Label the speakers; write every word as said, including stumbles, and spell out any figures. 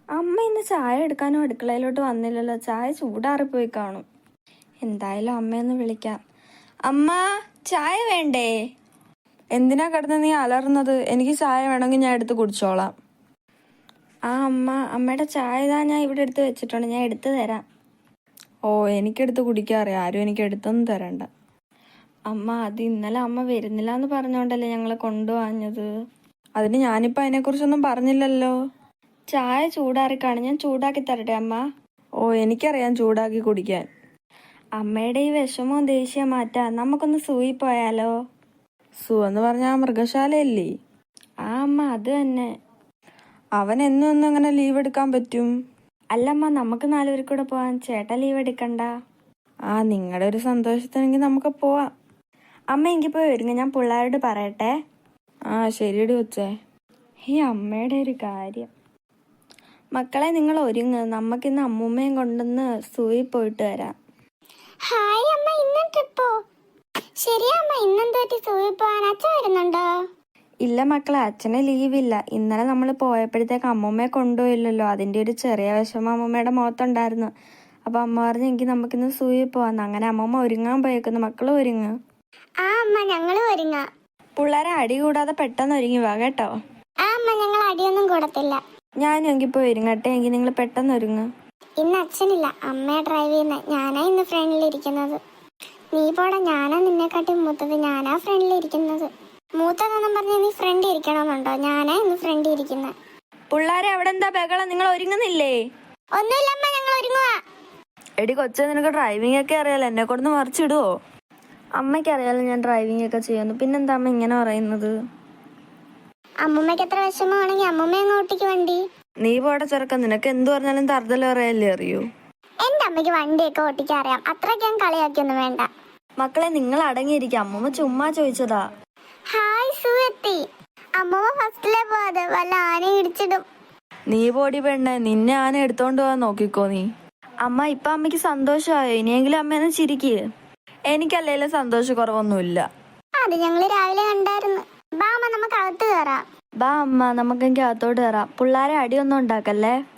Speaker 1: അമ്മ ഇന്ന് ചായ എടുക്കാനും അടുക്കളയിലോട്ട് വന്നില്ലല്ലോ. ചായ ചൂടാറിപ്പോയി കാണും. എന്തായാലും അമ്മയൊന്ന് വിളിക്കാം. അമ്മ, ചായ വേണ്ടേ?
Speaker 2: എന്തിനാ കിടന്ന് നീ അലറുന്നത്? എനിക്ക് ചായ വേണമെങ്കിൽ ഞാൻ എടുത്ത് കുടിച്ചോളാം.
Speaker 1: ആ അമ്മ, അമ്മയുടെ ചായ ഇതാ ഞാൻ ഇവിടെ എടുത്ത് വെച്ചിട്ടുണ്ട്, ഞാൻ എടുത്തു തരാം.
Speaker 2: ഓ, എനിക്കെടുത്ത് കുടിക്കാറിയാം, ആരും എനിക്ക് എടുത്തൊന്നും തരണ്ട.
Speaker 1: അമ്മ, അത് ഇന്നലെ അമ്മ വരുന്നില്ല എന്ന് പറഞ്ഞോണ്ടല്ലേ ഞങ്ങളെ കൊണ്ടുപോഞ്ഞത്.
Speaker 2: അതിന് ഞാനിപ്പോൾ അതിനെക്കുറിച്ചൊന്നും പറഞ്ഞില്ലല്ലോ.
Speaker 1: ചായ ചൂടാറിക്കാണ്, ഞാൻ ചൂടാക്കി തരട്ടെ അമ്മ?
Speaker 2: ഓ, എനിക്കറിയാം ചൂടാക്കി കുടിക്കാൻ.
Speaker 1: അമ്മയുടെ ഈ വിഷമവും ദേഷ്യം മാറ്റാ നമുക്കൊന്ന് സൂയി പോയാലോ?
Speaker 2: സു എന്ന് പറഞ്ഞാൽ മൃഗശാലയല്ലേ?
Speaker 1: ആ അമ്മ, അത് തന്നെ.
Speaker 2: അവൻ എന്നും ഒന്നും അങ്ങനെ ലീവ് എടുക്കാൻ പറ്റും?
Speaker 1: അല്ലമ്മ, നമുക്ക് നാലുപേർ കൂടെ പോവാൻ. ചേട്ടാ ലീവ് എടുക്കണ്ട.
Speaker 2: ആ, നിങ്ങളുടെ ഒരു സന്തോഷത്തിനെങ്കിൽ നമുക്ക് പോവാം.
Speaker 1: അമ്മ എങ്കിൽ പോയി ഒരുങ്ങ, ഞാൻ പിള്ളേരോട് പറയട്ടെ.
Speaker 2: ആ ശരിയടി കൊച്ചേ.
Speaker 1: ഈ അമ്മയുടെ ഒരു കാര്യം. മക്കളെ, നിങ്ങൾ ഒരുങ്ങ്, നമുക്കിന്ന് അമ്മൂമ്മയും കൊണ്ടൊന്ന് സൂയി പോയിട്ട് വരാം.
Speaker 3: ഹായ് അമ്മ, ഇന്ന് ട്രിപ്പോ? ശരിയാ അമ്മ, ഇന്നെന്ത് പറ്റി സൂയി പോവാൻ? അച്ഛൻ വരുന്നുണ്ടോ?
Speaker 1: ഇല്ല മക്കളെ, അച്ഛന് ലീവില്ല. ഇന്നലെ നമ്മൾ പോയപ്പോഴത്തേക്ക് അമ്മൂമ്മയെ കൊണ്ടുപോയില്ലല്ലോ, അതിൻ്റെ ഒരു ചെറിയ വിഷമം അമ്മൂമ്മയുടെ മുഖത്തുണ്ടായിരുന്നു. അപ്പൊ അമ്മ പറഞ്ഞു എങ്കിൽ നമുക്കിന്ന് സൂയി പോവാന്ന്. അങ്ങനെ അമ്മൂമ്മ ഒരുങ്ങാൻ പോയേക്കുന്നു. മക്കൾ ഒരുങ്ങ്.
Speaker 3: ആ അമ്മ, ഞങ്ങളും ഒരുങ്ങാം.
Speaker 1: പിള്ളേരെ അടി കൂടാതെ പെട്ടെന്ന് ഒരുങ്ങി വാ കേട്ടോ.
Speaker 3: ആ അമ്മ, ഞങ്ങൾ അടിയൊന്നും കൂടത്തില്ല.
Speaker 1: ഞാനും എങ്കിൽ പോയി ഒരുങ്ങട്ടെ. എങ്കിൽ നിങ്ങൾ പെട്ടെന്ന് ഒരുങ്ങ്.
Speaker 3: ഇന്ന് അച്ഛനില്ല, അമ്മയെ ഡ്രൈവ് ചെയ്യുന്ന. ഞാനാ ഇന്ന് ഫ്രണ്ടിലിരിക്കുന്നത്. നീ പോടാ, ഞാനാ നിന്നെക്കാട്ടി മൂത്തത്, ഞാനാ ഫ്രണ്ടിലിരിക്കുന്നത്. മൂത്തതെന്നും പറഞ്ഞ് നീ ഫ്രണ്ട് ഇരിക്കണമെന്നുണ്ടോ? ഞാനാ ഇന്ന് ഫ്രണ്ട് ഇരിക്കുന്നത്.
Speaker 1: പിള്ളേരെ അവിടെ എന്താ ബഹളം? നിങ്ങൾ ഒരുങ്ങുന്നില്ലേ?
Speaker 3: ഒന്നുമില്ല അമ്മ, ഞങ്ങൾ ഒരുങ്ങുക.
Speaker 2: എടി കൊച്ചേ, നിനക്ക് ഡ്രൈവിംഗ് ഒക്കെ അറിയാലോ, എന്നെ കൊണ്ടൊന്ന് മറിച്ചിടുവോ?
Speaker 1: അമ്മയ്ക്ക് അറിയാലോ ഞാൻ ഡ്രൈവിംഗ് ഒക്കെ ചെയ്യുന്നു, പിന്നെന്താ അമ്മ ഇങ്ങനെ പറയുന്നത്?
Speaker 3: അമ്മൂമ്മയ്ക്ക് എത്ര വിഷമമാണെങ്കിൽ അമ്മൂമ്മ അങ്ങ് ഓട്ടിക്ക് വണ്ടി.
Speaker 2: നീ പോടെ ചെറുക്ക, നിനക്ക് എന്തു പറഞ്ഞാലും തറുതല അറിയാലേ അറിയൂ.
Speaker 3: എന്റെ അമ്മയ്ക്ക് വണ്ടിയൊക്കെ ഓട്ടിക്കാൻ അറിയാം, അത്രയ്ക്ക് ഞാൻ കളിയാക്കിയൊന്നും വേണ്ട.
Speaker 1: മക്കളെ, നിങ്ങൾ അടങ്ങിയിരിക്കും, അമ്മൂമ്മ ചുമ്മാ ചോദിച്ചതാ.
Speaker 3: ഹായ് സുഹൃത്തി, അമ്മൂമ്മ ഫസ്റ്റിലെ പോവാതെ വല്ല ആന ഇടിച്ചിടും.
Speaker 2: നീ പോടി പെണ്ണെ, നിന്നെ ആന എടുത്തോണ്ട് പോവാൻ നോക്കിക്കോ നീ.
Speaker 1: അമ്മ, ഇപ്പൊ അമ്മയ്ക്ക് സന്തോഷമായോ? ഇനിയെങ്കിലും അമ്മേനെ ചിരിക്ക്.
Speaker 2: എനിക്കല്ലേലും സന്തോഷക്കുറവൊന്നുമില്ല.
Speaker 3: അത് ഞങ്ങള് രാവിലെ കണ്ടായിരുന്നു. ബാ അമ്മ, നമുക്ക് അകത്ത് കയറാം.
Speaker 1: ബാ അമ്മ, നമുക്കെങ്കിൽ അകത്തോട്ട് കയറാം. പിള്ളേരെ അടിയൊന്നും ഉണ്ടാക്കല്ലേ.